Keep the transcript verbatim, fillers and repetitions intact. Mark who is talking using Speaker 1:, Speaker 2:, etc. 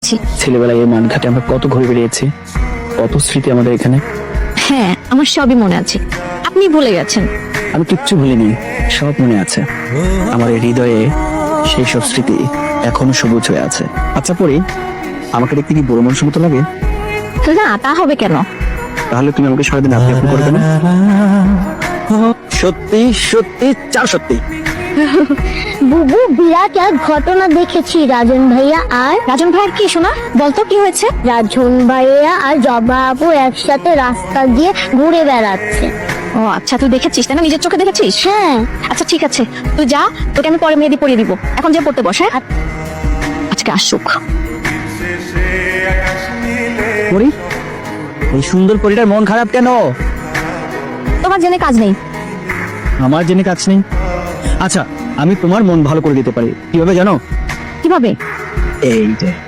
Speaker 1: যাচ্ছি।
Speaker 2: ছেলেবেলায় এই মানঘাটে আমরা কত ঘুরে বেরিয়েছি, কত স্মৃতি আমাদের এখানে।
Speaker 1: হ্যাঁ, আমার সবই মনে আছে, আপনি ভুলে গেছেন।
Speaker 2: আমি কিচ্ছু ভুলিনি, সব মনে আছে। আমার এই হৃদয়ে সেই সব স্মৃতি এখনো সবুজ হয়ে আছে। আচ্ছা পরি, আমাকে দেখতে কি বড় মানুষের মতো লাগে?
Speaker 1: না, তা হবে কেন?
Speaker 2: তাহলে তুমি আমাকে সারাদিন আপনি আপনি করবে না? সত্যি সত্যি চার সত্যি।
Speaker 3: বুবু, বিরাট এক ঘটনা দেখেছি রাজন ভাইয়া আর
Speaker 1: রাজন ভাইয়ের কি শোনা, বলতো কি হয়েছে?
Speaker 3: রাজন ভাইয়া আর জবা আপু একসাথে রাস্তা দিয়ে ঘুরে বেড়াচ্ছে।
Speaker 1: ও আচ্ছা, তুই দেখেছিস তাই না? নিজের চোখে দেখেছিস?
Speaker 3: হ্যাঁ।
Speaker 1: আচ্ছা ঠিক আছে, তুই যা, তোকে আমি পরে মেহেদি পরিয়ে দিব। এখন যে পড়তে বস। হ্যাঁ, আজকে আসুক।
Speaker 2: পরি, এই সুন্দর পরিটার মন খারাপ কেন?
Speaker 1: তোমার জেনে কাজ নেই।
Speaker 2: আমার জেনে কাজ নেই? আচ্ছা, আমি তোমার মন ভালো করে দিতে পারি। কিভাবে জানো?
Speaker 1: কিভাবে?
Speaker 2: এই যে